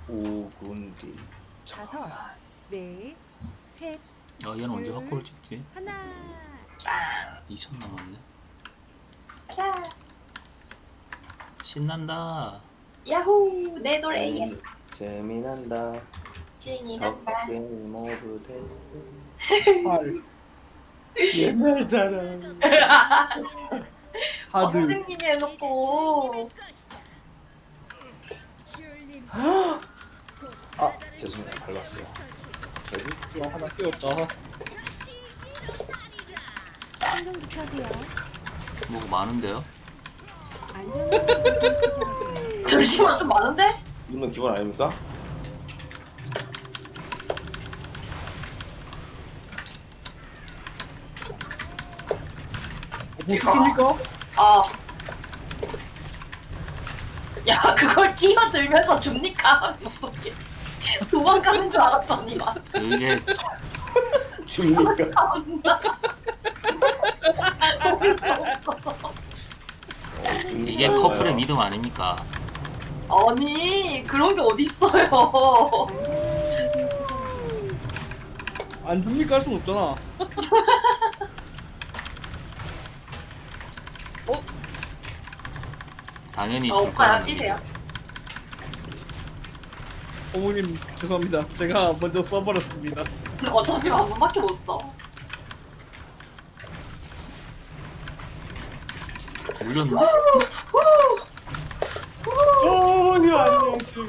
5군디. 다섯, 넷, 셋, 얘는 언제 둘, 확골 찍지? 하나. 2000 남았네. 자, 신난다. 야호! 내 노래 예스. 재미난다. 진이 난다. 게임 오브 데스. 팔 옛날 자랑. 하드 선생님이 해놓고. 아 죄송해요 밟았어요. 뭐지? 하나 끼웠다. 한정 지켜세요. 뭐가 많은데요? 안전한 곳에서 투자하세요. 잠시만 좀 많은데? 이건 기본 아닙니까? 뭐 주십니까? 아. 야 그걸 뛰어들면서 줍니까? 도망가는 줄 알았더니만. 이게 줍니까? 이게 커플의 믿음 아닙니까? 아니 그런 게 어딨어요. 안 줍니까 할 순 없잖아. 당연히 줄 오빠야 거라는 뛰세요. 어머님 죄송합니다. 제가 먼저 써버렸습니다. 어차피 한 번밖에 못 써. 물렸나? 어머니 안녕 지금.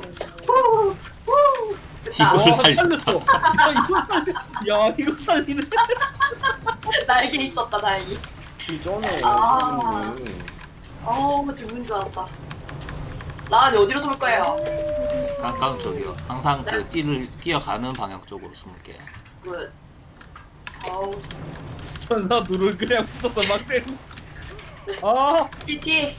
이걸 와, 살렸다. 살렸어. 야 이거 살리네. 날개 있었다 다행히. 전에 아. 어우 죽는 줄 알았다. 난 어디로 쏠 거예요? 가까운 쪽이요. 항상 네. 그 뛰어가는 방향 쪽으로 숨을게요. 굿. 어우 천사 둘을 그냥 붙어서 막 때리. 아 TT.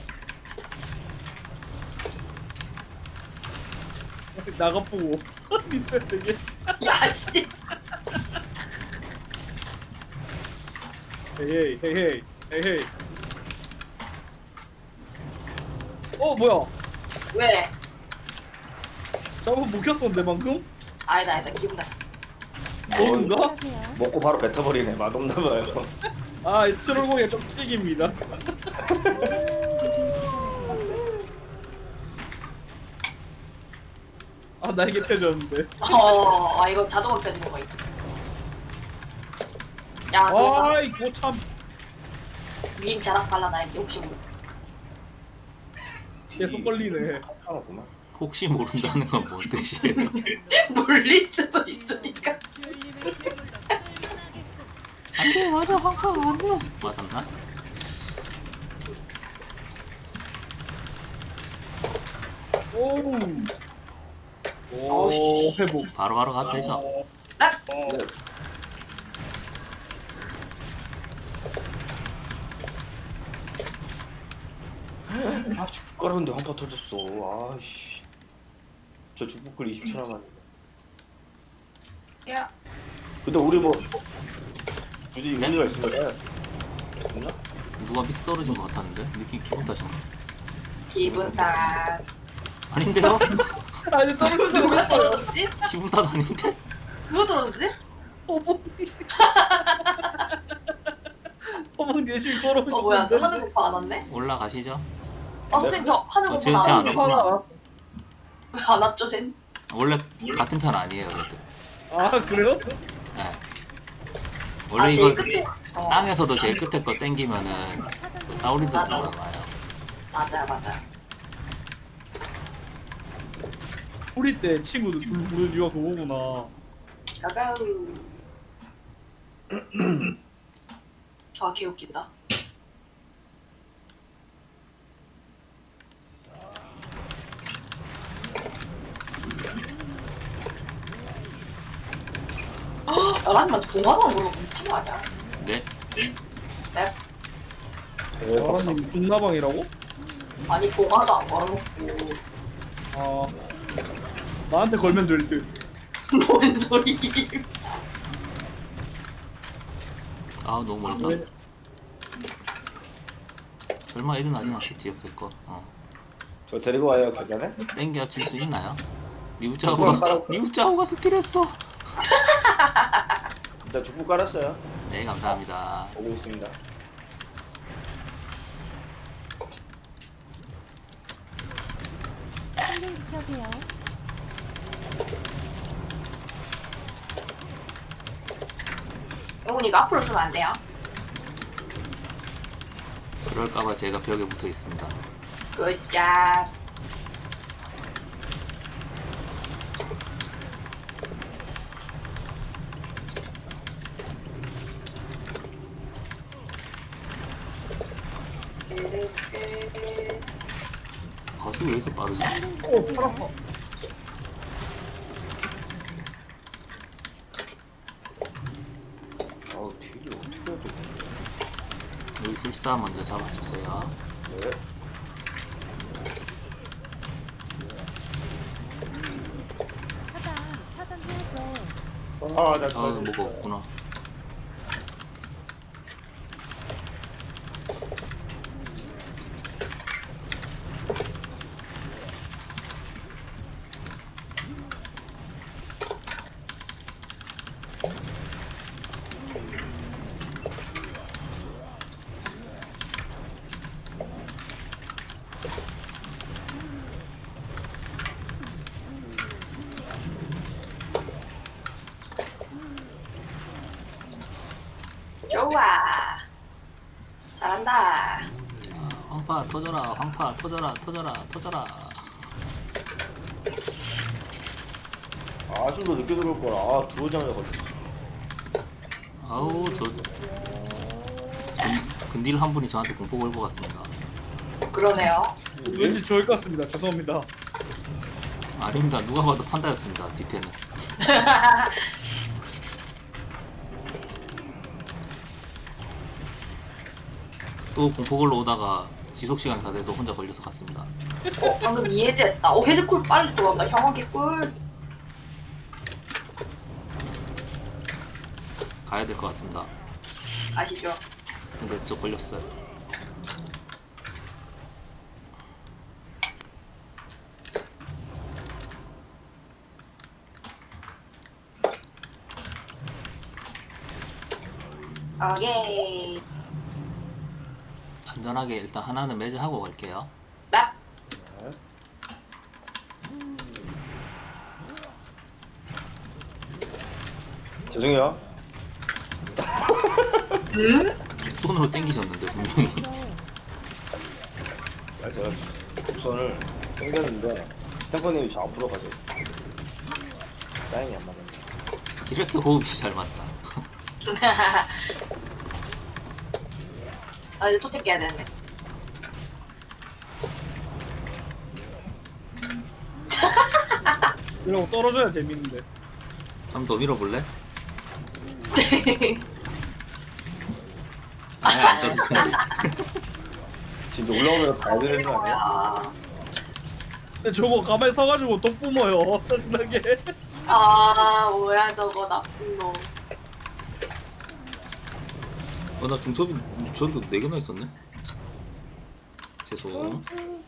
나가보고 리셋 되게. 야씨. 헤이 헤이 헤이 헤이. 뭐야? 왜? 저거 못 켰었는데 방금? 아니다 기분 나. 뭔가? 투자하세요. 먹고 바로 뱉어버리네. 맛없나봐요. 아 트롤공이 좀 튀깁니다. 아 날개 펴졌는데. 아 이거 자동으로 펴지는 거 있지. 야 너 아이 고참. 위임 자락 발라놔야지 혹시 모르. 계속 걸리네. 하나구만. 혹시 모른다는 건 뭔 뜻이에요? 물릴 수도 있으니까. 안돼 맞아 황팡 안돼. 맞았나? 오. 오 어우씨. 회복. 바로바로 가도 되죠? 네. 아 죽가라는데 한 번 터졌어. 아씨. 저 죽북글 20초 남았는데. 야 근데 우리 뭐 굳이 의미가 있는 거야? 없나? 누가 밑에 떨어진 것 같았는데? 느낌 기분 탓인가? 기분 탓. 아닌데요? 아니 떨어졌어. 누가 떨어졌지? 기분 탓 아닌데? 누가 떨어졌지? 어머니. 어머니 열심히 걸어오셨는데. 뭐야 저 하늘 오빠 안 왔네? 올라가시죠? 아 선생님 저 하늘 오빠 쟤 안 안 왔네. 왔구나. 왜 안 왔죠 쟨? 원래 같은 편 아니에요 그래도. 아 그래요? 네. 원래 아 이거 제일 끝에. 땅에서도 제일 끝에 거 땡기면은 그 사우리드 맞아. 들어가요. 맞아. 우리 때 친구들 둘 부른 이유가 그거구나. 가가우. 아 개웃긴다. 나랑만 동화도 모르고 미친 거 아니야? 네. 네? 대박. 아니 동나방이라고? 아니 동화도 안 걸어놓고 아 나한테 걸면 될 듯. 뭔 소리? 아 너무 멀다. 네. 설마 일은 하진 않겠지 옆에 거. 저 데리고 와요 계단에? 땡겨 칠 수 있나요? 니우짜오가 스킬했어. 일단 죽부 깔았어요. 네, 감사합니다. 오고 있습니다. 생존 지켜세요. 영훈이 이거 앞으로 쓰면 안 돼요? 그럴까봐 제가 벽에 붙어 있습니다. 굿잡. 가수 왜 이렇게 빠르지? 오, 팔 아파. 아우 딜이 어떻게 해야 돼? 여기 술사 먼저 잡아주세요. 네. 차단해야죠. 아나 아, 뭐가 없구나. 좋아. 잘한다. 황파 터져라, 황파 터져라, 터져라, 터져라. 좀 더 늦게 들어올 거라. 들어오자마자 걸렸어. 아우, 근딜 한 분이 저한테 공포 걸고 갔습니다. 그러네요. 왠지 저일 것 같습니다. 죄송합니다. 아닙니다. 누가 봐도 판다였습니다. 디테는. 또 공포 걸러 오다가 지속 시간이 다 돼서 혼자 걸려서 갔습니다. 방금 이해제했다. 헤드쿨 빨리 들어온다. 형원기 꿀. 가야 될 것 같습니다. 아시죠? 근데 저 걸렸어요. 오케이. 안전하게 일단 하나는 매제하고 갈게요. 나. 죄송해요. 응? 손으로 당기셨는데 분명히. 제가 곡선을 당겼는데 탱커님이 저 앞으로 가죠. 사인이 안 맞았네. 이렇게 호흡이 잘 맞다. 아 이제 토템 깨야 되는데. 이러고 떨어져야 재밌는데. 한 번 더 밀어볼래? 아예 안 떨어지네. 진짜 올라오면 가야 되는 거 아니야? 아, 근데 저거 가만히 서가지고 독 뿜어요. 짜증나게. 아 뭐야 저거 나쁜 놈. 나 중첩이 저도 4개나 있었네. 죄송.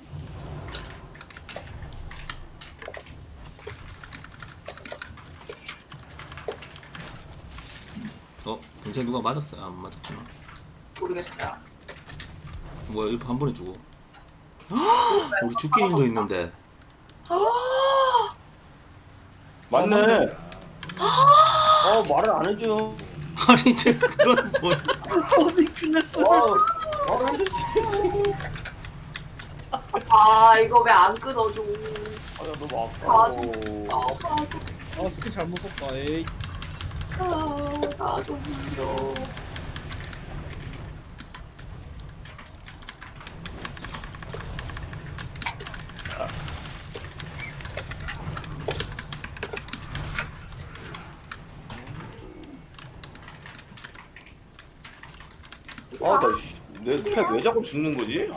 굉장히 누가 맞았어요? 안 맞았구나. 모르겠어요. 뭐야, 이거 한 번에 죽어. 우리 죽기님도 있는데. 맞네. 말을 안 해줘. 아니, 그건 뭐야. 어디 끝냈어? 말을 해주지. 아 이거 왜 안 끊어줘? 나 너무 아, 아파. 아 스킬 잘못 썼다. 에이. 나좀 힘들어. 내패왜 자꾸 죽는 거지?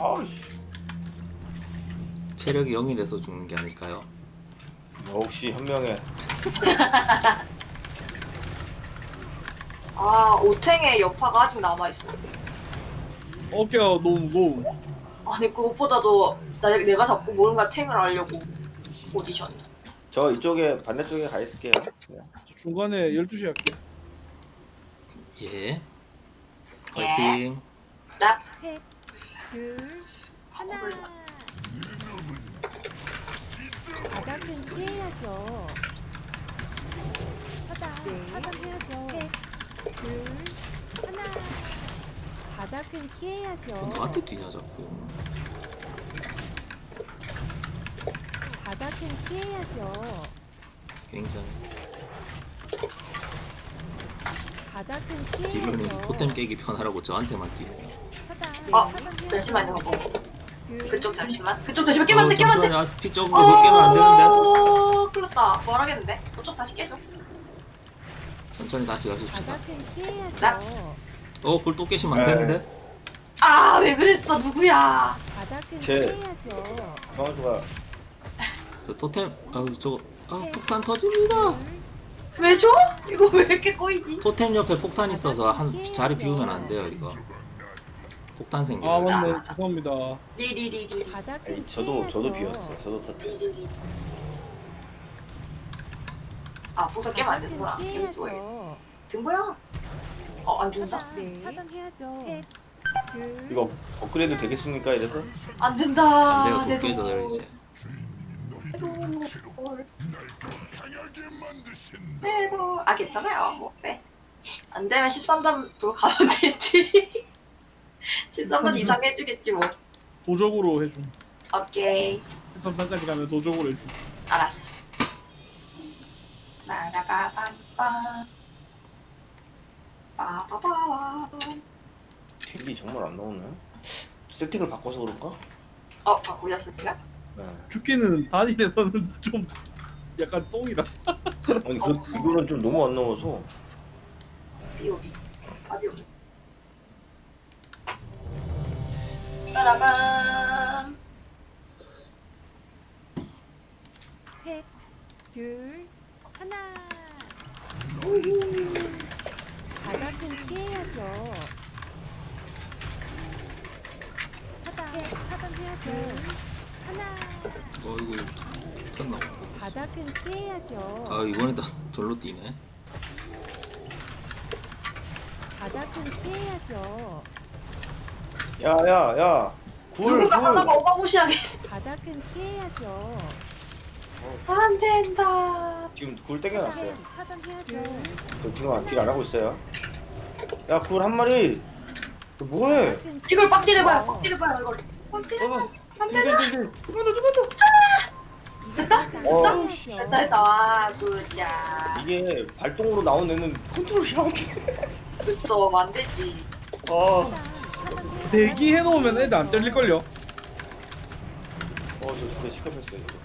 체력이 0이 돼서 죽는 게 아닐까요? 역시 현명해. 아 오탱의 여파가 아직 남아있어. 어깨가 너무 무거워. 아니 그것보다도 내가 자꾸 뭔가 탱을 하려고 오디션. 저 이쪽에 반대쪽에 가 있을게요. 그냥. 저 중간에 12시 할게. 예. 화이팅. 나 셋, 둘, 하나. 바닥은 피해야죠. 차단해야죠. 셋, 둘, 하나. 바닥은 피해야죠. 나한테 뛰냐 자꾸. 바닥은 피해야죠. 굉장히. 바닥은 딜러님 피해야죠. 토템 깨기 편하라고 저한테만 뛰고. 잠시만요. 둘, 그쪽 잠시만. 그쪽 잠시만 깨면 안 돼. 깨면 안 돼. 잠시만요. 피 적은 거 깨면 안 되는데. 큰일 났다. 뭘 하겠는데? 그쪽 다시 깨줘. 천천히 다시 가십시다. 바닥은 피해야죠. 그걸 또 깨시면 안 되는데. 아, 왜 그랬어? 누구야? 바닥은 제- 피해야죠. 성원수가 저 토템 저거 폭탄 터집니다. 왜 줘? 이거 왜 이렇게 꼬이지? 토템 옆에 폭탄 있어서 한 자리 비우면 안 돼요 이거. 폭탄 아 생겨요. 맞네. 죄송합니다. 리리리리리. 바닥은 에이, 저도 피해야죠. 비웠어. 저도 터트. 리리리. 아, 복사 깨면 안 되는구나. 바닥은 깨면 좋아해. 피해야죠. 등 뭐야? 안 준다? 네. 차단해야죠. 셋, 둘, 이거 업그레이드 되겠습니까 이래서? 안 된다. 안 돼요. 내 또 깨져요 돈. 이제. 내 돈. 아, 괜찮아요. 뭐, 네. 안 되면 13단 돌 가면 되지. 13단 이상 해주겠지, 뭐. 도적으로 해줌. 오케이. 13단까지 가면 도적으로 해줌. 알았어. 나라바밤밤. 빠바바밤. 딜이 정말 안 나오네. 세팅을 바꿔서 그런가? 바꾸셨습니까? 네. 죽기는 단일에서는 좀 약간 똥이라. 아니 이거는 좀 너무 안 나와서. 비오비. 비오비. 따라밤. 셋, 둘, 하나. 바닥은 피해야죠. 차단해야죠. 하나. 이거 폭탄 나오고. 바닥은 피해야죠. 이번에 다 절로 뛰네. 바닥은 피해야죠. 야야야. 누구가 하다가 어마무시하게. 바닥은 피해야죠. 안 된다. 지금 굴 땡겨놨어요. 차단해야죠. 저 지금 딜 안 하고 있어요. 야 굴 한 마리. 너 뭐해? 바닥은 이걸 빡딜 해봐요. 빡딜 해봐요. 이걸. 빡딜 해봐. 딜. 그만. 됐다? 씨. 됐다. 굿자. 이게 발동으로 나온 애는 컨트롤이 안 돼. 그쵸. 안 되지. 대기 해놓으면 애들 안 때릴걸요. 저 진짜 시끄럽었어요. 이거.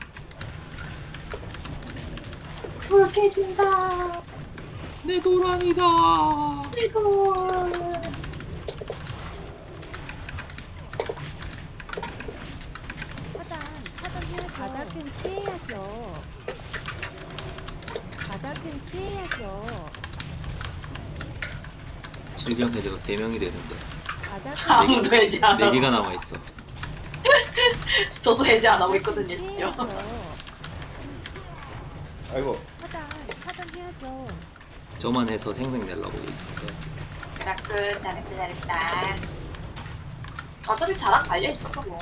돌 깨진다. 내 도란이다. 이거. 차단해야죠. 바닥은 피해야죠. 바닥은 피해야죠. 질병 해제가 3명이 되는데 바닥은 아무도 해지 안 하고. 4개가 남아 있어. 저도 해지 안 하고 있거든요. 진짜. 피해야죠. 아이고. 차단해야죠. 저만 해서 생생 내려고 얘기했어. 그라크 잘했다. 어차피 자랑 달려 있어서 뭐.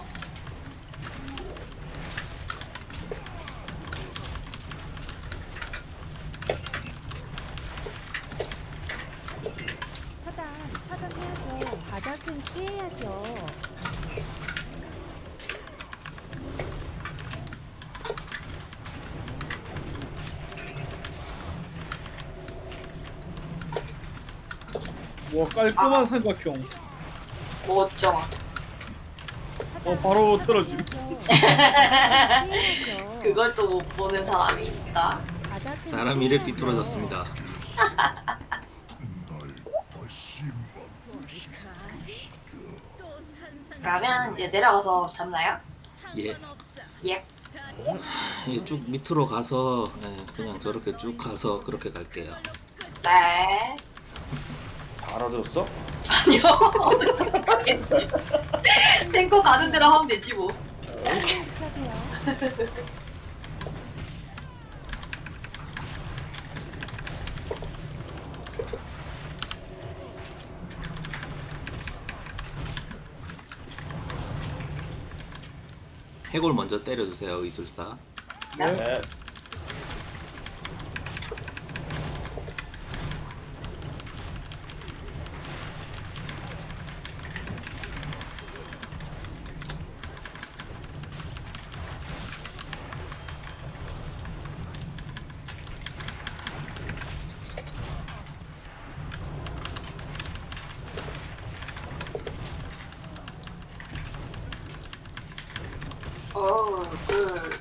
차단해야죠. 바닥은 피해야죠. 와 깔끔한 삼각형. 멋져. 바로 틀어짐. 피해야죠. 그걸 또 못 보는 사람이 있다. 바닥은 사람 이래 피해야죠. 삐뚤어졌습니다. 그러면 이제 내려가서 잡나요? 예. 예. 쭉 밑으로 가서 그냥 저렇게 쭉 가서 그렇게 갈게요. 네. 다 알아들었어? 아니요. 어떻게 가겠지. 탱커 가는 대로 하면 되지 뭐. 펴세요. 해골 먼저 때려주세요 의술사. 네. 그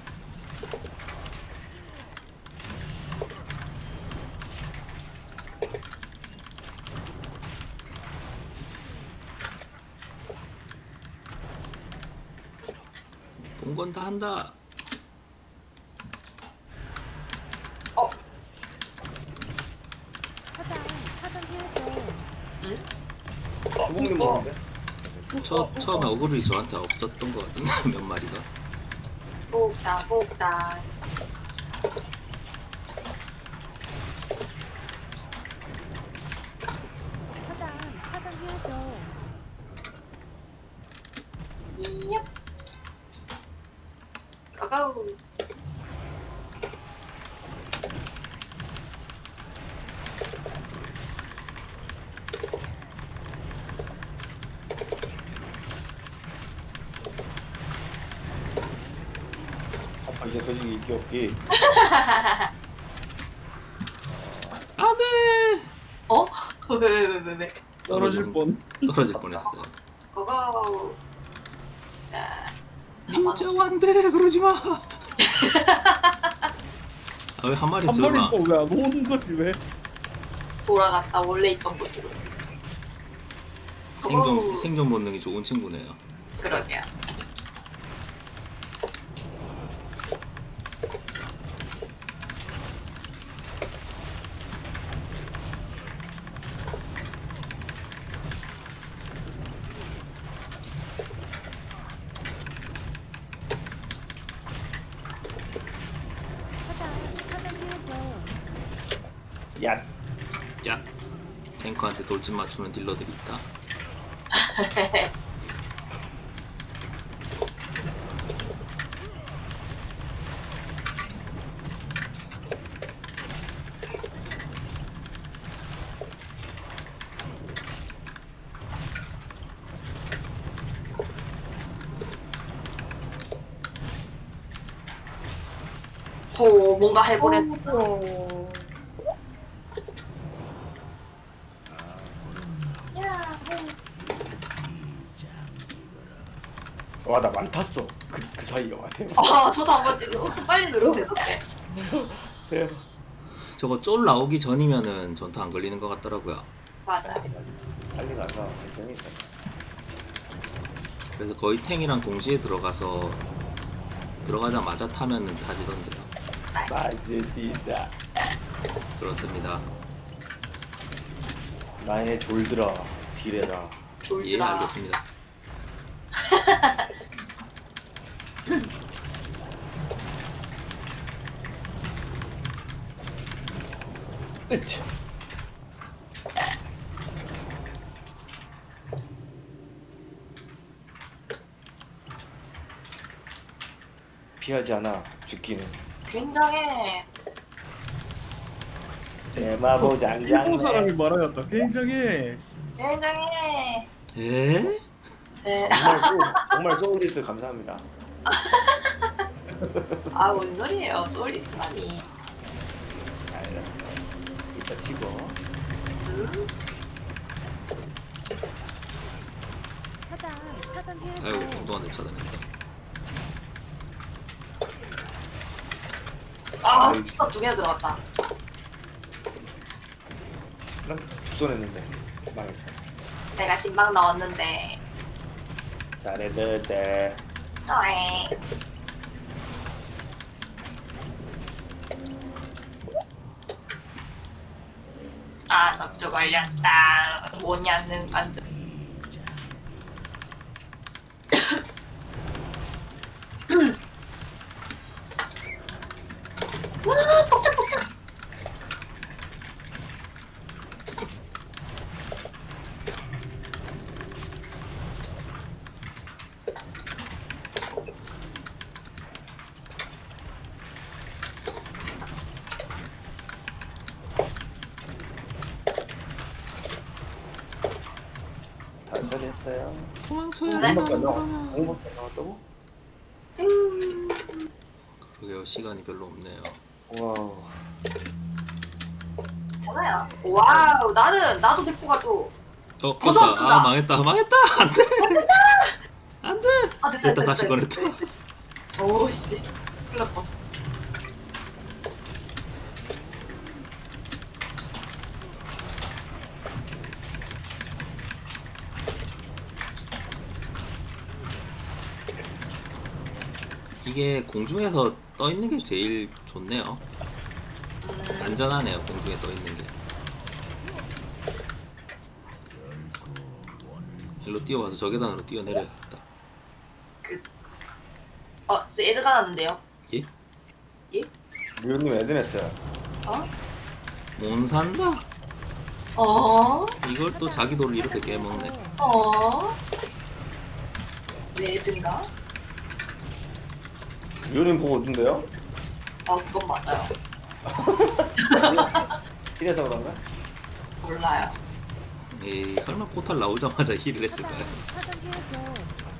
본 건 다 한다. 차단해야죠. 소봉님 먹는데? 처음에 어그로이 저한테 없었던 것 같은데 몇 마리가. 복다. 차단해야죠. 이야. 가가우. 아빠 이제 솔직히 있기 없기. 안돼. 어? 왜? 떨어질 뻔. 떨어질 뻔했어요. 가가우. 자, 진짜 안돼 그러지 마. 아, 왜 한 마리 한 마리 들어나? 또왜안 오는 거지 왜? 돌아갔다 원래 있던 곳으로. 생존 본능이 좋은 친구네요. 그러게요. 차단해야죠. 야. 야, 탱커한테 돌진 맞추는 딜러들이 있다. 호 뭔가 해보랬어. 와, 나 많았어. 그 사이에 와, 대박. 저도 한번 지금 혹시 빨리 누르면 되는데. 대박. 저거 쫄 나오기 전이면은 전투 안 걸리는 것 같더라고요. 맞아. 빨리 가서 괜찮이 있어. 그래서 거의 탱이랑 동시에 들어가자마자 타면은 타지던데요. 맛있다. 그렇습니다. 나의 졸들아, 딜해라. 예, 졸지라. 알겠습니다. 으쌰. 피하지 않아, 죽기는. 굉장해. 대마보 일본 사람이 장장. 말하였다. 굉장히. 굉장해. 에? 네. 정말 소울리스 감사합니다. 뭔 소리예요? 소울리스라니. 알았어. 이따 치고. 차단해야죠. 아이고 운동한테 차단했다. 스톱 2개나 들어갔다. 난 죽선했는데 망했어. 내가 신방 넣었는데. 잘했는데. 어이. 적조 걸렸다. 뭐냐는 안 돼. 됐어요. 도망쳐야 네. 돼. 공밖에 안 나와. 공밖에 안 나왔다고? 그러게요. 시간이 별로 없네요. 와. 괜찮아요. 와우, 나도 데리고 가줘. 어, 고소한 껐다. 아, 망했다. 망했다. 안 돼. 안 돼. 아, 됐다. 다시 꺼냈다. 오씨, 큰일 날 뻔. 이게 공중에서 떠 있는 게 제일 좋네요. 안전하네요. 공중에 떠 있는 게. 일로 뛰어와서 저 계단으로 뛰어내려야겠다. 저 애들 가놨는데요. 예? 미호님 애드냈어요. 어? 못 산다. 어? 이걸 또 자기 돌을 이렇게 깨먹네. 어? 내 애들인가? 미호님 보고 오던데요? 그건 맞아요. 이래서 그런가? 몰라요. 에이, 설마 포탈 나오자마자 힐을 했을까요? 차단해야죠.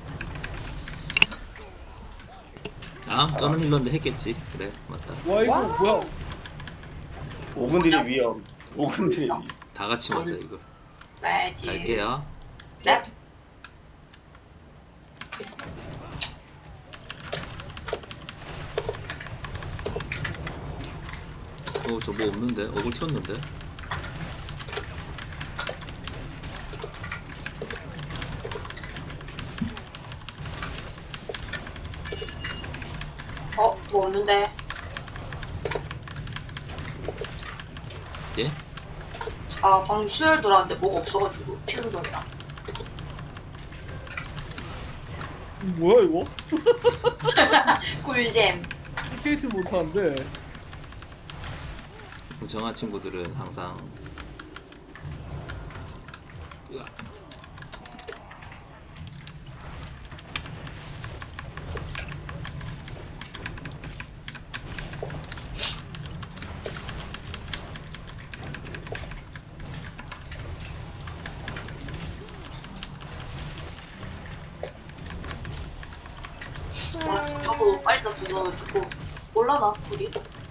아, 저는 힐러인데 했겠지. 그래, 맞다. 와 이거 뭐야? 5분 딜의 위험. 5분 딜의 위험. 다 같이 맞아 이거. 나야지. 갈게요. 네. 저 뭐 없는데? 얼굴 튀었는데? 뭐 없는데. 예? 방금 수혈 돌았는데 뭐가 없어가지고 피는 거야. 뭐야 이거? 꿀잼. 스케이트 못하는데. 정한 친구들은 항상 으악. 하고 빨리 다 부숴가지고 올라나 불이.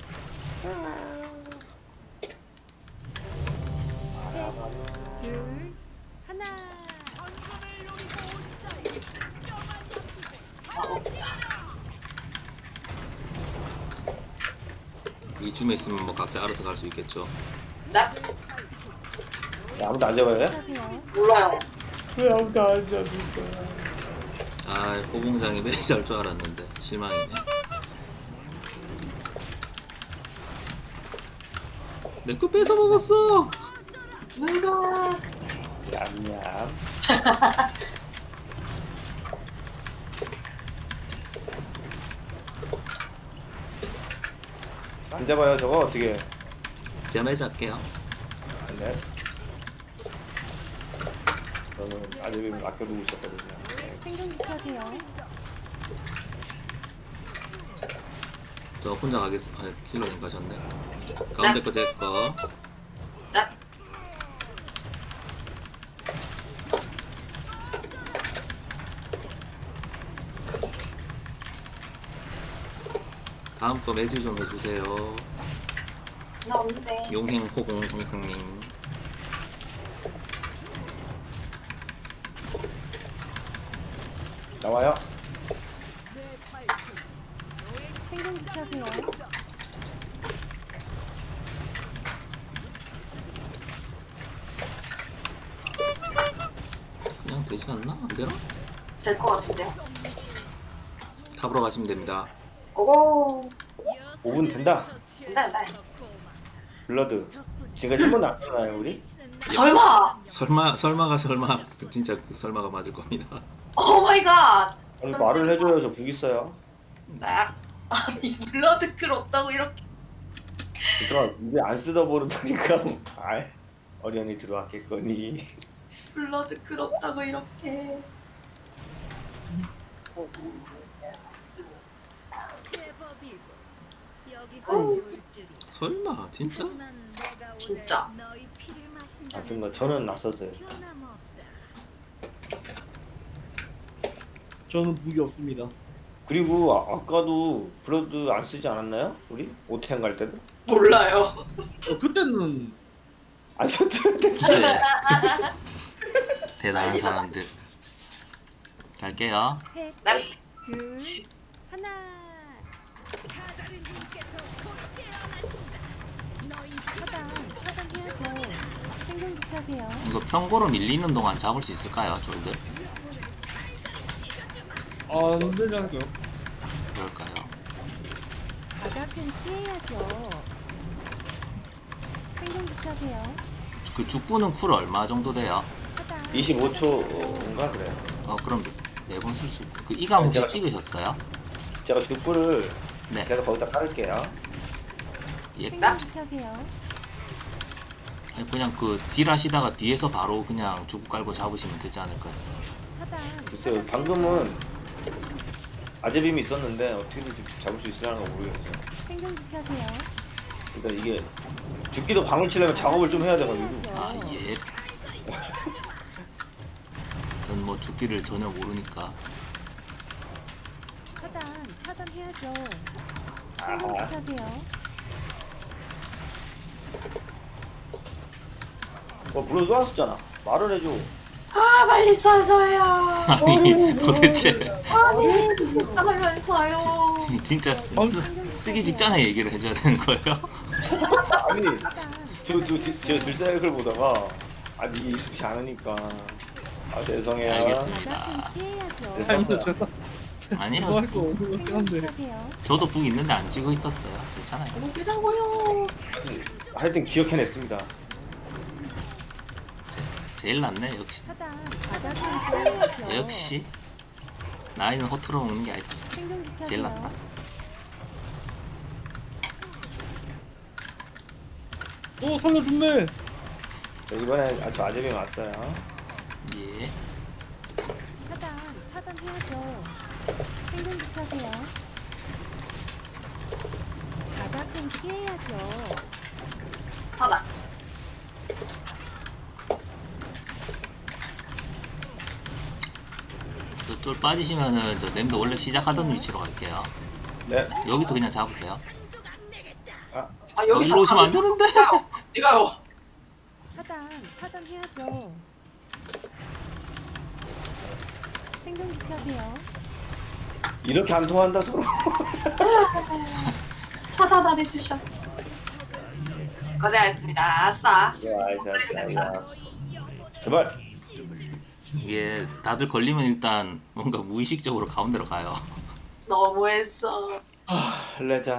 둘, 하나. 이쯤에 있으면 뭐 각자 알아서 갈 수 있겠죠. 네? 야, 아무도 안 잡아요? 하세요. 몰라요. 왜 아무도 안 잡을 거야? 아, 호봉장이 매지 할 줄 알았는데 실망이네. 내 거 뺏어 먹었어. 누가? 얌얌. 안 잡아요 저거 어떻게? 제가 매지 할게요. 네. 저는 아직은 아껴두고 있었거든요. 네. 생존기하세요. 저 혼자 가겠습니다. 아, 힐러님 가셨네. 가운데 거 제 거. 네? 다음 거 매주 좀 해주세요. 나 없는데. 용행 호공 성상님. 나와요? 생존기하세요. 그냥 되지 않나? 안 되나? 될 것 같은데요. 탑으로 가시면 됩니다. 고고. 5분 된다. 네. 블러드. 지금까지 1번도 안 썼나요 우리? 설마. 설마가 진짜 그 설마가 맞을 겁니다. 오 마이 갓. 아니 말을 해줘요 저 북 있어요. 네. 아니 블러드클 없다고 이렇게. 얘들아 입에 안 쓰다 버릇하니까 아 어련히 들어왔겠거니. 블러드클 없다고 이렇게. 설마 진짜? 진짜. 안 쓴 거 저는 낯섰어요. 저는 무기 없습니다. 그리고 아까도 블러드 안 쓰지 않았나요? 우리? 오텐 갈 때도? 몰라요. 그때는 안 썼는데. 네. 대단한 사람들. 갈게요. 셋, 난 둘, 하나. 차단해야죠. 생존기 타세요. 이거 평고로 밀리는 동안 잡을 수 있을까요, 졸들? 안 되지 않을까요? 그럴까요? 바닥은 피해야죠. 생존기 타세요. 그 죽부는 쿨 얼마 정도 돼요? 차단. 25초인가 그래요. 그럼 4번 쓸 수 있고. 그 이감 혹시 제가- 찍으셨어요? 제가 득불을 네. 계속 거기다 깔을게요. 예. 생존기 타세요. 아니, 그냥 그 딜 하시다가 뒤에서 바로 그냥 죽부 깔고 잡으시면 되지 않을까요? 차단. 글쎄요, 방금은 아재빔이 있었는데 어떻게든 잡을 수 있으려나 모르겠어요. 생존기 타세요. 그러니까 이게 죽기도 방울 치려면 작업을 좀 해야 돼가지고. 아, 예. 전 뭐 죽기를 전혀 모르니까. 차단해야죠. 아하. 생존기 타세요. 블러드 또 왔었잖아. 말을 해줘. 아 빨리 써줘요. 아니, 도대체 아니 진짜라면서요. 진짜 쓰기 직전에 얘기를 해줘야 되는 거예요? 아니, 차단. 저 들사역을 보다가 아니 이게 익숙치 않으니까. 아 죄송해요. 알겠습니다. 바닥은 피해야죠. 네, 아니 썼어요. 죄송. 아니요. 죄송할 거 없는 것 같긴 생존기 한데. 타세요. 저도 북 있는데 안 찍고 있었어요. 괜찮아요. 어디라고요? 하여튼 기억해냈습니다. 제일 낫네, 역시. 차단. 바닥은 피해야죠. 역시. 나이는 허투루 먹는 게 아니다. 생존기 타세요. 제일 낫다. 또 살려줬네. 자, 이번에 아주 아재빔 왔어요. 예. 차단해야죠. 생존기 타세요. 바닥은 피해야죠. 하나. 저쪽 빠지시면은 저 냄도 원래 시작하던 위치로 갈게요. 네. 여기서 그냥 잡으세요. 아, 아 여기 여기로 오시면 안 되는데. 어디가요? 차단해야죠. 생존기 타세요. 이렇게 안 통한다 서로. 차단 안 해주셨어. 고생하셨습니다. 아싸. 야. 제발. 이게 다들 걸리면 일단 뭔가 무의식적으로 가운데로 가요. 너무했어. 레전.